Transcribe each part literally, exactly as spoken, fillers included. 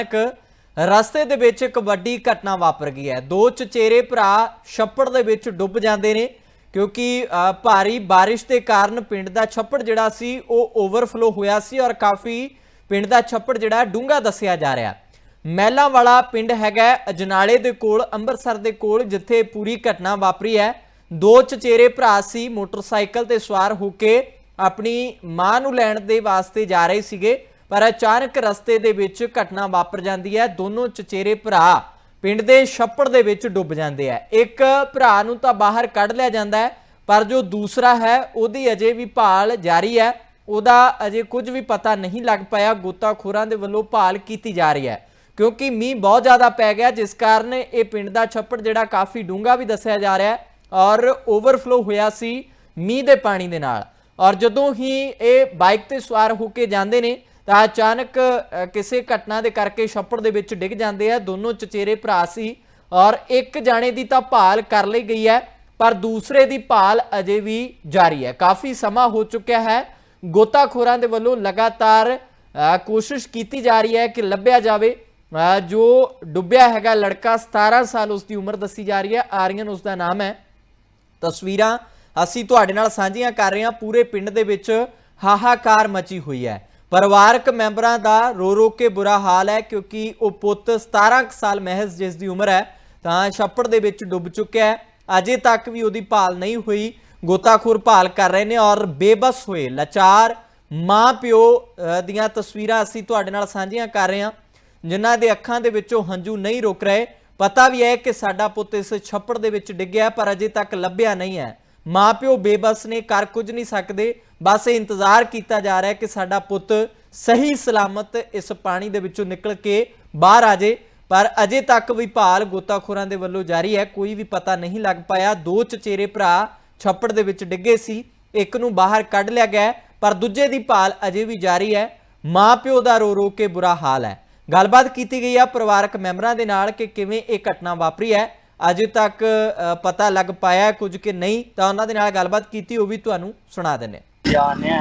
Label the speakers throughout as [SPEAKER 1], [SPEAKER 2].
[SPEAKER 1] ਰਸਤੇ ਦੇ ਵਿੱਚ ਇੱਕ ਵੱਡੀ ਘਟਨਾ ਵਾਪਰ ਗਈ ਹੈ। ਦੋ ਚਚੇਰੇ ਭਰਾ ਛੱਪੜ ਦੇ ਵਿੱਚ ਡੁੱਬ ਜਾਂਦੇ ਨੇ ਕਿਉਂਕਿ ਭਾਰੀ ਬਾਰਿਸ਼ ਦੇ ਕਾਰਨ ਪਿੰਡ ਦਾ ਛੱਪੜ ਜਿਹੜਾ ਸੀ ਉਹ ਓਵਰਫਲੋ ਹੋਇਆ ਸੀ ਔਰ ਕਾਫੀ ਪਿੰਡ ਦਾ ਛੱਪੜ ਜਿਹੜਾ ਡੂੰਘਾ ਦੱਸਿਆ ਜਾ ਰਿਹਾ। ਮਹਿਲਾਂ ਵਾਲਾ ਪਿੰਡ ਹੈਗਾ ਅਜਨਾਲੇ ਦੇ ਕੋਲ, ਅੰਮ੍ਰਿਤਸਰ ਦੇ ਕੋਲ, ਜਿੱਥੇ ਪੂਰੀ ਘਟਨਾ ਵਾਪਰੀ ਹੈ। ਦੋ ਚਚੇਰੇ ਭਰਾ ਸੀ, ਮੋਟਰਸਾਈਕਲ ਤੇ ਸਵਾਰ ਹੋ ਕੇ ਆਪਣੀ ਮਾਂ ਨੂੰ ਲੈਣ ਦੇ ਵਾਸਤੇ ਜਾ ਰਹੇ ਸੀਗੇ, ਪਰ ਅਚਾਨਕ ਰਸਤੇ ਦੇ ਵਿੱਚ ਘਟਨਾ ਵਾਪਰ ਜਾਂਦੀ ਹੈ। ਦੋਨੋਂ ਚਚੇਰੇ ਭਰਾ ਪਿੰਡ ਦੇ ਛੱਪੜ ਦੇ ਵਿੱਚ ਡੁੱਬ ਜਾਂਦੇ ਆ। ਇੱਕ ਭਰਾ ਨੂੰ ਤਾਂ ਬਾਹਰ ਕੱਢ ਲਿਆ ਜਾਂਦਾ ਹੈ, ਪਰ ਜੋ ਦੂਸਰਾ ਹੈ ਉਹਦੀ ਅਜੇ ਵੀ ਭਾਲ ਜਾਰੀ ਹੈ। ਉਹਦਾ ਅਜੇ ਕੁਝ ਵੀ ਪਤਾ ਨਹੀਂ ਲੱਗ ਪਾਇਆ। ਗੋਤਾਖੋਰਾਂ ਦੇ ਵੱਲੋਂ ਭਾਲ ਕੀਤੀ ਜਾ ਰਹੀ ਹੈ ਕਿਉਂਕਿ ਮੀਂਹ ਬਹੁਤ ਜ਼ਿਆਦਾ ਪੈ ਗਿਆ, ਜਿਸ ਕਾਰਨ ਇਹ ਪਿੰਡ ਦਾ ਛੱਪੜ ਜਿਹੜਾ ਕਾਫੀ ਡੂੰਘਾ ਵੀ ਦੱਸਿਆ ਜਾ ਰਿਹਾ ਹੈ ਔਰ ਓਵਰਫਲੋ ਹੋਇਆ ਸੀ ਮੀਂਹ ਦੇ ਪਾਣੀ ਦੇ ਨਾਲ। ਔਰ ਜਦੋਂ ਹੀ ਇਹ ਬਾਈਕ ਤੇ ਸਵਾਰ ਹੋ ਕੇ ਜਾਂਦੇ ਨੇ ਤਾਂ ਅਚਾਨਕ ਕਿਸੇ ਘਟਨਾ ਦੇ ਕਰਕੇ ਛੱਪੜ ਦੇ ਵਿੱਚ ਡਿੱਗ ਜਾਂਦੇ ਆ। ਦੋਨੋਂ ਚਚੇਰੇ ਭਰਾ ਸੀ ਔਰ ਇੱਕ ਜਾਣੇ ਦੀ ਤਾਂ ਭਾਲ ਕਰ ਲਈ ਗਈ ਹੈ, ਪਰ ਦੂਸਰੇ ਦੀ ਭਾਲ ਅਜੇ ਵੀ ਜਾਰੀ ਹੈ। ਕਾਫੀ ਸਮਾਂ ਹੋ ਚੁੱਕਿਆ ਹੈ। ਗੋਤਾਖੋਰਾਂ ਦੇ ਵੱਲੋਂ ਲਗਾਤਾਰ ਕੋਸ਼ਿਸ਼ ਕੀਤੀ ਜਾ ਰਹੀ ਹੈ ਕਿ ਲੱਭਿਆ ਜਾਵੇ। ਜੋ ਡੁੱਬਿਆ ਹੈਗਾ ਲੜਕਾ ਸਤਾਰਾਂ ਸਾਲ ਉਸਦੀ ਉਮਰ ਦੱਸੀ ਜਾ ਰਹੀ ਹੈ। ਆਰੀਅਨ ਉਸਦਾ ਨਾਮ ਹੈ। ਤਸਵੀਰਾਂ ਅਸੀਂ ਤੁਹਾਡੇ ਨਾਲ ਸਾਂਝੀਆਂ ਕਰ ਰਹੇ ਹਾਂ। ਪੂਰੇ ਪਿੰਡ ਦੇ ਵਿੱਚ ਹਾਹਾਕਾਰ ਮਚੀ ਹੋਈ ਹੈ। ਪਰਿਵਾਰਕ ਮੈਂਬਰਾਂ ਦਾ ਰੋ ਰੋ ਕੇ ਬੁਰਾ ਹਾਲ ਹੈ ਕਿਉਂਕਿ ਉਹ ਪੁੱਤ ਸਤਾਰਾਂ ਸਾਲ ਮਹਿਜ਼ ਜਿਸ ਦੀ ਉਮਰ ਹੈ ਤਾਂ ਛੱਪੜ ਦੇ ਵਿੱਚ ਡੁੱਬ ਚੁੱਕਿਆ ਹੈ। ਅਜੇ ਤੱਕ ਵੀ ਉਹਦੀ ਭਾਲ ਨਹੀਂ ਹੋਈ। ਗੋਤਾਖੋਰ ਭਾਲ ਕਰ ਰਹੇ ਨੇ ਔਰ ਬੇਬਸ ਹੋਏ ਲਾਚਾਰ ਮਾਂ ਪਿਓ ਦੀਆਂ ਤਸਵੀਰਾਂ ਅਸੀਂ ਤੁਹਾਡੇ ਨਾਲ ਸਾਂਝੀਆਂ ਕਰ ਰਹੇ ਹਾਂ, ਜਿਨ੍ਹਾਂ ਦੇ ਅੱਖਾਂ ਦੇ ਵਿੱਚੋਂ ਹੰਝੂ ਨਹੀਂ ਰੁਕ ਰਹੇ। ਪਤਾ ਵੀ ਹੈ ਕਿ ਸਾਡਾ ਪੁੱਤ ਇਸ ਛੱਪੜ ਦੇ ਵਿੱਚ ਡਿੱਗਿਆ, ਪਰ ਅਜੇ ਤੱਕ ਲੱਭਿਆ ਨਹੀਂ ਹੈ। ਮਾਂ ਪਿਓ ਬੇਬਸ ਨੇ, ਕਰ ਕੁਝ ਨਹੀਂ ਸਕਦੇ। ਬਸ ਇੰਤਜ਼ਾਰ ਕੀਤਾ ਜਾ ਰਿਹਾ ਕਿ ਸਾਡਾ ਪੁੱਤ ਸਹੀ ਸਲਾਮਤ ਇਸ ਪਾਣੀ ਦੇ ਵਿੱਚੋਂ ਨਿਕਲ ਕੇ ਬਾਹਰ ਆ ਜਾਏ, ਪਰ ਅਜੇ ਤੱਕ ਵੀ ਭਾਲ ਗੋਤਾਖੋਰਾਂ ਦੇ ਵੱਲੋਂ ਜਾਰੀ ਹੈ। ਕੋਈ ਵੀ ਪਤਾ ਨਹੀਂ ਲੱਗ ਪਾਇਆ। ਦੋ ਚਚੇਰੇ ਭਰਾ ਛੱਪੜ ਦੇ ਵਿੱਚ ਡਿੱਗੇ ਸੀ, ਇੱਕ ਨੂੰ ਬਾਹਰ ਕੱਢ ਲਿਆ ਗਿਆ, ਪਰ ਦੂਜੇ ਦੀ ਭਾਲ ਅਜੇ ਵੀ ਜਾਰੀ ਹੈ। ਮਾਂ ਪਿਓ ਦਾ ਰੋ ਰੋ ਕੇ ਬੁਰਾ ਹਾਲ ਹੈ। ਗੱਲਬਾਤ ਕੀਤੀ ਗਈ ਹੈ ਪਰਿਵਾਰਕ ਮੈਂਬਰਾਂ ਦੇ ਨਾਲ ਕਿ ਕਿਵੇਂ ਇਹ ਘਟਨਾ ਵਾਪਰੀ ਹੈ। ਅਜੇ ਤੱਕ ਪਤਾ ਲੱਗ ਪਾਇਆ ਕੁਝ ਕਿ ਨਹੀਂ, ਤਾਂ ਉਹਨਾਂ ਦੇ ਨਾਲ ਗੱਲਬਾਤ ਕੀਤੀ, ਉਹ ਵੀ ਤੁਹਾਨੂੰ ਸੁਣਾ ਦਿੰਦੇ
[SPEAKER 2] ਜਾਣੇ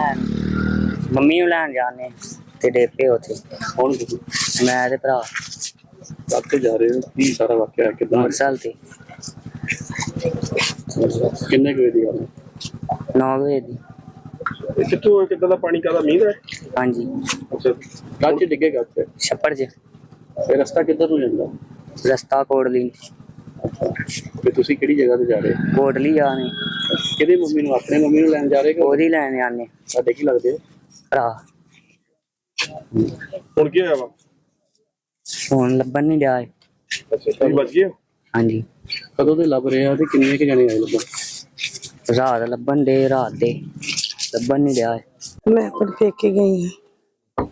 [SPEAKER 2] ਮੰਮੀ ਨੂੰ ਲੈਣ ਜਾਣੇ ਤੇ ਡੇਪੇ ਉੱਥੇ
[SPEAKER 3] ਕੌਣ
[SPEAKER 2] ਮੈਂ ਤੇ ਭਰਾ
[SPEAKER 3] ਕਾਕੇ ਜਾ ਰਹੇ ਹੋ? ਕੀ ਸਾਰਾ ਵਾਕਿਆ ਕਿਦਾਂ?
[SPEAKER 2] ਮੋਟਰਸਾਈਕਲ ਤੇ
[SPEAKER 3] ਕਿੰਨੇ ਕੁ ਵਜੇ ਦੀ ਗੱਲ ਹੈ?
[SPEAKER 2] ਨੌ ਵਜੇ ਦੀ।
[SPEAKER 3] ਇਹ ਕਿੱਥੋਂ ਕਿੱਦਾਂ ਦਾ ਪਾਣੀ ਕਾਹਦਾ ਮੀਂਹ ਦਾ?
[SPEAKER 2] ਹਾਂਜੀ,
[SPEAKER 3] ਅੱਛਾ, ਕੱਚ ਡਿੱਗੇਗਾ ਉੱਥੇ?
[SPEAKER 2] ਛੱਪੜ 'ਚ।
[SPEAKER 3] ਇਹ ਰਸਤਾ ਕਿੱਧਰ ਨੂੰ ਜਾਂਦਾ?
[SPEAKER 2] ਰਸਤਾ ਕੋਟਲੀ।
[SPEAKER 3] ਅੱਛਾ, ਤੇ ਤੁਸੀਂ ਕਿਹੜੀ ਜਗ੍ਹਾ ਤੇ ਜਾ ਰਹੇ?
[SPEAKER 2] ਕੋਟਲੀ ਜਾਣੇ।
[SPEAKER 3] ਕਿਹਦੇ ਮੰਮੀ ਨੂੰ? ਆਪਣੇ ਮੰਮੀ ਨੂੰ ਲੈਣ ਜਾ ਰਹੇ ਕਿ
[SPEAKER 2] ਉਹਦੀ ਲੈਣ ਜਾਣੇ।
[SPEAKER 3] ਸਾਡੇ ਕੀ ਲੱਗਦੇ?
[SPEAKER 2] ਭਰਾ।
[SPEAKER 3] ਹੁਣ ਕੀ ਹੋਇਆ ਵਾ?
[SPEAKER 2] ਹੁਣ ਲੱਭਣ ਨਹੀਂ ਡਿਆ।
[SPEAKER 3] ਅੱਛਾ, ਤੁਸੀਂ ਬਚ ਗਏ?
[SPEAKER 2] ਹਾਂਜੀ।
[SPEAKER 3] ਕਦੋਂ ਦੇ ਲੱਭ ਰਹੇ ਆ ਤੇ ਕਿੰਨੇ ਕੁ ਜਣੇ ਆਏ ਲੱਭਣ?
[SPEAKER 2] ਰਾਤ ਲੱਭਣ ਦੇ, ਰਾਤ ਦੇ ਲੱਭਣ ਨਹੀਂ ਡਿਆ।
[SPEAKER 4] ਮੈਂ ਆਪਣੇ ਪੇਕੇ ਗਈ ਹਾਂ।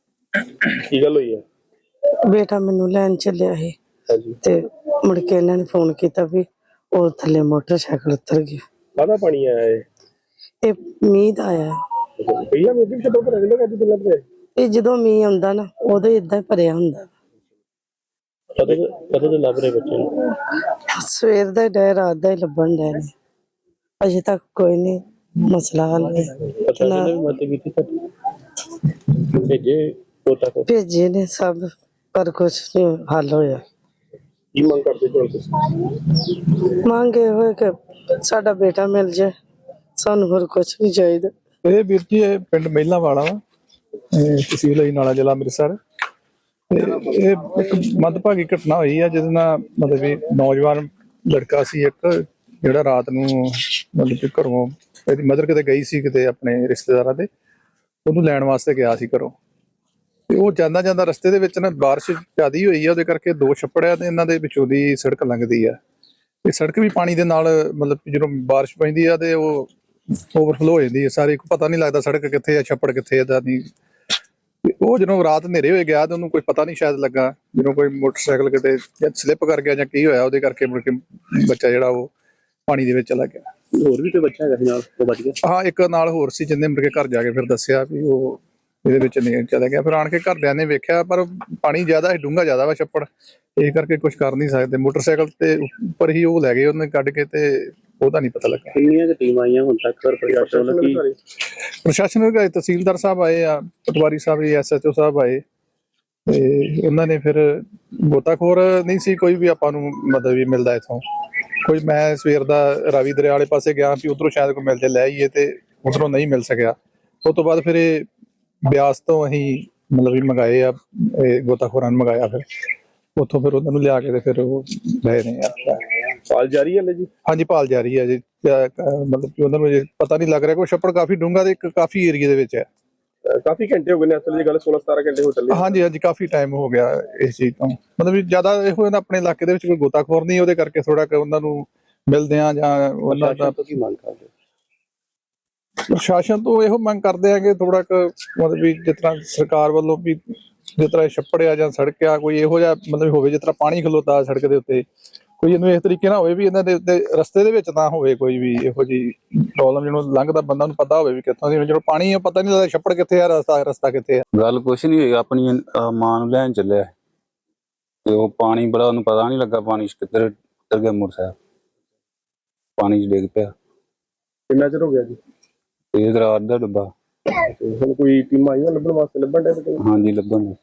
[SPEAKER 3] ਕੀ ਗੱਲ ਹੋਈ ਹੈ?
[SPEAKER 4] ਬੇਟਾ ਮੈਨੂੰ ਲੈਣ ਚੱਲਿਆ ਸੀ
[SPEAKER 3] ਹਾਂਜੀ,
[SPEAKER 4] ਤੇ ਮੁੜ ਕੇ ਇਹਨਾਂ ਨੇ ਫੋਨ ਕੀਤਾ ਵੀ ਉਹ ਥੱਲੇ ਮੋਟਰਸਾਈਕਲ ਉਤਰ ਗਿਆ।
[SPEAKER 3] ਕਾਹਦਾ ਪਾਣੀ ਆਇਆ ਇਹ?
[SPEAKER 4] ਇਹ ਮੀਂਹ ਦਾ ਆਇਆ।
[SPEAKER 3] ਪਹਿਲਾਂ ਮੋਦੀ ਛੱਡੋ ਪਰ ਰਹਿੰਦਾ ਕਦੀ ਤੋਂ ਲੱਭ ਰਿਹਾ?
[SPEAKER 4] ਇਹ ਜਦੋਂ ਮੀਂਹ ਆਉਂਦਾ ਨਾ ਉਦੋਂ ਇਦਾਂ ਹੀ ਭਰਿਆ ਹੁੰਦਾ।
[SPEAKER 3] ਕਦੋਂ ਕਦੋਂ ਦੇ ਲੱਭ ਰਹੇ ਬੱਚੇ ਨੂੰ?
[SPEAKER 4] ਸਵੇਰ ਦਾ ਡੈ, ਰਾਤ ਦਾ ਹੀ ਲੱਭਣ ਡੈ ਨੇ। ਅਜੇ ਤੱਕ ਕੋਈ ਨਹੀਂ ਮਸਲਾ ਹੱਲ ਹੋਇਆ।
[SPEAKER 3] ਪਤਾ ਨਹੀਂ ਵੀ ਮਦਦ ਕੀਤੀ ਤਾਂ ਭੇਜੇ ਪੋਤਾ ਕੋ
[SPEAKER 4] ਭੇਜੇ ਨੇ ਸਭ, ਪਰ ਕੁਛ ਨਹੀਂ ਹੱਲ ਹੋਇਆ।
[SPEAKER 3] ਕੀ ਮੰਗ ਕਰਦੇ ਹੋ ਤੁਸੀਂ?
[SPEAKER 4] ਮੰਗੇ ਹੋਏ ਕਿ ਸਾਡਾ ਬੇਟਾ ਮਿਲ ਜਾਏ, ਸਾਨੂੰ ਹੋਰ ਕੁਛ ਨਹੀਂ ਚਾਹੀਦਾ।
[SPEAKER 5] ਇਹ ਵੀਰ ਜੀ ਇਹ ਪਿੰਡ ਮਹਿਲਾਂ ਵਾਲਾ ਵਾ, ਤਹਿਸੀਲ ਅਜਨਾਲਾ, ਜ਼ਿਲ੍ਹਾ ਅੰਮ੍ਰਿਤਸਰ। ਤੇ ਇਹ ਇੱਕ ਮੰਦਭਾਗੀ ਘਟਨਾ ਹੋਈ ਆ ਜਿਹਦੇ ਨਾਲ ਮਤਲਬ ਵੀ ਨੌਜਵਾਨ ਲੜਕਾ ਸੀ ਇੱਕ, ਜਿਹੜਾ ਰਾਤ ਨੂੰ ਮਤਲਬ ਕਿ ਘਰੋਂ ਇਹਦੀ ਮਦਰ ਕਿਤੇ ਗਈ ਸੀ, ਕਿਤੇ ਆਪਣੇ ਰਿਸ਼ਤੇਦਾਰਾਂ ਦੇ, ਉਹਨੂੰ ਲੈਣ ਵਾਸਤੇ ਗਿਆ ਸੀ ਘਰੋਂ। ਤੇ ਉਹ ਜਾਂਦਾ ਜਾਂਦਾ ਰਸਤੇ ਦੇ ਵਿੱਚ ਨਾ ਬਾਰਿਸ਼ ਜ਼ਿਆਦਾ ਹੋਈ ਆ, ਉਹਦੇ ਕਰਕੇ ਦੋ ਛੱਪੜ ਆ ਤੇ ਇਹਨਾਂ ਦੇ ਵਿੱਚੋਂ ਦੀ ਸੜਕ ਲੰਘਦੀ ਆ। ਇਹ ਸੜਕ ਵੀ ਪਾਣੀ ਦੇ ਨਾਲ ਮਤਲਬ ਜਦੋਂ ਬਾਰਿਸ਼ ਪੈਂਦੀ ਆ ਤੇ ਉਹ ਓਵਰਫਲੋ ਹੋ ਜਾਂਦੀ ਹੈ ਸਾਰੇ, ਪਤਾ ਨਹੀਂ ਲੱਗਦਾ ਸੜਕ ਕਿੱਥੇ ਆ ਛੱਪੜ ਕਿੱਥੇ ਆ। ਨਹੀਂ, ਉਹ ਜਦੋਂ ਰਾਤ ਹਨੇਰੇ ਹੋਏ ਗਿਆ ਤੇ ਉਹਨੂੰ ਕੋਈ ਪਤਾ ਨਹੀਂ ਸ਼ਾਇਦ ਲੱਗਾ, ਜਦੋਂ ਕੋਈ ਮੋਟਰਸਾਈਕਲ ਕਿਤੇ ਸਲਿੱਪ ਕਰ ਗਿਆ ਜਾਂ ਕੀ ਹੋਇਆ, ਉਹਦੇ ਕਰਕੇ ਮੁੜ ਕੇ ਬੱਚਾ ਜਿਹੜਾ ਉਹ ਪਾਣੀ ਦੇ ਵਿੱਚ ਚਲਾ ਗਿਆ।
[SPEAKER 3] ਹੋਰ ਵੀ ਕੋਈ ਬੱਚਾ ਹੈਗਾ ਨਾਲ ਉਹ ਬਚ ਗਿਆ?
[SPEAKER 5] ਹਾਂ, ਇੱਕ ਨਾਲ ਹੋਰ ਸੀ ਜਿਹਨੇ ਮੁੜ ਕੇ ਘਰ ਜਾ ਕੇ ਫਿਰ ਦੱਸਿਆ ਵੀ ਉਹ ਇਹਦੇ ਵਿੱਚ ਨਹੀਂ ਚਲਾ ਗਿਆ। ਫਿਰ ਆਣ ਕੇ ਘਰਦਿਆਂ ਨੇ ਵੇਖਿਆ, ਪਰ ਪਾਣੀ ਜ਼ਿਆਦਾ ਹੈ, ਡੂੰਘਾ ਜ਼ਿਆਦਾ ਵਾ ਛੱਪੜ, ਇਸ ਕਰਕੇ ਕੁਝ ਕਰ ਨਹੀਂ ਸਕਦੇ। ਮੋਟਰਸਾਈਕਲ ਤੇ ਉੱਪਰ ਹੀ ਉਹ ਲੈ ਗਏ ਉਹਨੇ ਕੱਢ ਕੇ, ਤੇ ਉਹਦਾ ਨਹੀਂ ਪਤਾ ਲੱਗਾ।
[SPEAKER 3] ਕਿੰਨੀਆਂ ਕੁ ਟੀਮਾਂ ਆਈਆਂ ਹੁਣ ਤੱਕ? ਪ੍ਰਸ਼ਾਸਨ ਕੀ
[SPEAKER 5] ਪ੍ਰਸ਼ਾਸਨ ਵਿਭਾਗ, ਤਹਿਸੀਲਦਾਰ ਸਾਹਿਬ ਆਏ ਆ, ਪਟਵਾਰੀ ਸਾਹਿਬ, ਐਸ ਐਚ ਓ ਸਾਹਿਬ ਆਏ, ਤੇ ਉਹਨਾਂ ਨੇ ਫਿਰ ਗੋਤਾਖੋਰ ਨਹੀਂ ਸੀ ਕੋਈ ਵੀ ਆਪਾਂ ਨੂੰ ਮਦਦ ਵੀ ਮਿਲਦਾ ਇੱਥੋਂ ਕੋਈ। ਮੈਂ ਸਵੇਰ ਦਾ ਰਾਵੀ ਦਰਿਆ ਵਾਲੇ ਪਾਸੇ ਗਿਆ ਵੀ ਉਧਰੋਂ ਸ਼ਾਇਦ ਕੋਈ ਮਿਲ ਜੇ ਲੈ ਆਈਏ, ਤੇ ਉਧਰੋਂ ਨਹੀਂ ਮਿਲ ਸਕਿਆ। ਉਸ ਤੋਂ ਬਾਅਦ ਫਿਰ ਇਹ ਬਿਆਸ ਤੋਂ ਅਸੀਂ ਮਤਲਬ ਵੀ ਮੰਗਾਏ ਆ, ਇਹ ਗੋਤਾਖੋਰਾਂ ਨੂੰ ਮੰਗਾਇਆ, ਫਿਰ ਉੱਥੋਂ ਫਿਰ ਉਹਨਾਂ ਨੂੰ ਲਿਆ ਕੇ ਤੇ ਫਿਰ ਉਹ ਲਏ ਨੇ ਆ।
[SPEAKER 3] ਪਾਲ ਜਾਰੀ ਹੈ ਜੀ?
[SPEAKER 5] ਹਾਂਜੀ, ਭਾਲ ਜਾਰੀ ਹੈ ਜੀ। ਅਹ ਮਤਲਬ ਕਿ ਉਹਨਾਂ ਨੂੰ ਅਜੇ ਪਤਾ ਨਹੀਂ ਲੱਗ ਰਿਹਾ, ਕੋਈ ਛੱਪੜ ਕਾਫੀ ਡੂੰਘਾ ਤੇ ਇੱਕ ਕਾਫੀ ਏਰੀਏ ਦੇ ਵਿੱਚ ਹੈ।
[SPEAKER 3] ਅਹ ਕਾਫੀ ਘੰਟੇ ਹੋ ਗਏ ਨੇ ਅਸਲ ਦੀ ਗੱਲ, ਸੋਲਾਂ ਸਤਾਰਾਂ ਘੰਟੇ ਹੋ ਚੱਲੇ।
[SPEAKER 5] ਹਾਂਜੀ ਹਾਂਜੀ, ਕਾਫੀ ਟਾਈਮ ਹੋ ਗਿਆ ਇਸ ਚੀਜ਼ ਤੋਂ। ਮਤਲਬ ਵੀ ਜ਼ਿਆਦਾ ਇਹੋ ਨਾ ਆਪਣੇ ਇਲਾਕੇ ਦੇ ਵਿੱਚ ਕੋਈ ਗੋਤਾਖੋਰ ਨਹੀਂ, ਉਹਦੇ ਕਰਕੇ ਥੋੜਾ ਕਿ ਉਹਨਾਂ ਨੂੰ ਮਿਲਦੇ ਆ ਜਾਂ ਉਹਨਾਂ ਦਾ
[SPEAKER 3] ਕੀ ਮੰਗ ਕਰਦੇ?
[SPEAKER 5] ਪ੍ਰਸ਼ਾਸਨ ਤੋਂ ਇਹੋ ਮੰਗ ਕਰਦੇ ਆ ਕਿ ਥੋੜਾ ਕੁ ਮਤਲਬ ਵੀ ਜਿਸ ਤਰ੍ਹਾਂ ਸਰਕਾਰ ਵੱਲੋਂ ਵੀ ਜਿਸ ਤਰ੍ਹਾਂ ਛੱਪੜ ਆ ਜਾਂ ਸੜਕ ਆ, ਕੋਈ ਇਹੋ ਜਿਹਾ ਮਤਲਬ ਹੋਵੇ ਜਿਸ ਤਰ੍ਹਾਂ ਪਾਣੀ ਖਲੋਤਾ ਸੜਕ ਦੇ ਉੱਤੇ, ਕੋਈ ਇਹਨੂੰ ਇਸ ਤਰੀਕੇ ਨਾਲ ਹੋਵੇ ਵੀ ਇਹਨਾਂ ਦੇ ਉੱਤੇ ਰਸਤੇ ਦੇ ਵਿੱਚ ਨਾ ਹੋਵੇ ਕੋਈ ਵੀ ਇਹੋ ਜਿਹੀ ਪ੍ਰੋਬਲਮ। ਜਿਹਨੂੰ ਲੰਘਦਾ ਬੰਦਾ ਨੂੰ ਪਤਾ ਹੋਵੇ ਵੀ ਕਿੱਥੋਂ ਦੀ, ਜਦੋਂ ਪਾਣੀ ਆ ਪਤਾ ਨਹੀਂ ਲੱਗਦਾ ਛੱਪੜ ਕਿੱਥੇ ਆ, ਰਸਤਾ ਰਸਤਾ ਕਿੱਥੇ ਆ।
[SPEAKER 6] ਗੱਲ ਕੁਛ ਨਹੀਂ ਹੋਈ, ਆਪਣੀ ਅਹ ਮਾਂ ਨੂੰ ਲੈਣ ਚੱਲਿਆ ਤੇ ਉਹ ਪਾਣੀ ਬੜਾ, ਉਹਨੂੰ ਪਤਾ ਨਹੀਂ ਲੱਗਾ ਪਾਣੀ 'ਚ ਕਿੱਧਰ ਕਿੱਧਰ ਗਿਆ ਮੋਟਰਸਾਈਕਲ, ਪਾਣੀ 'ਚ ਡਿੱਗ ਪਿਆ।
[SPEAKER 3] ਕਿੰਨਾ ਚਿਰ ਹੋ ਗਿਆ ਜੀ?
[SPEAKER 6] ਇਹ ਰਾਤ ਦਾ ਡੱਬਾ।
[SPEAKER 3] ਤੇ ਹੁਣ ਕੋਈ ਟੀਮਾਂ ਆਈਆਂ ਲੱਭਣ ਵਾਸਤੇ? ਲੱਭਣ ਦੇ?
[SPEAKER 6] ਹਾਂਜੀ, ਲੱਭਣ ਨੂੰ।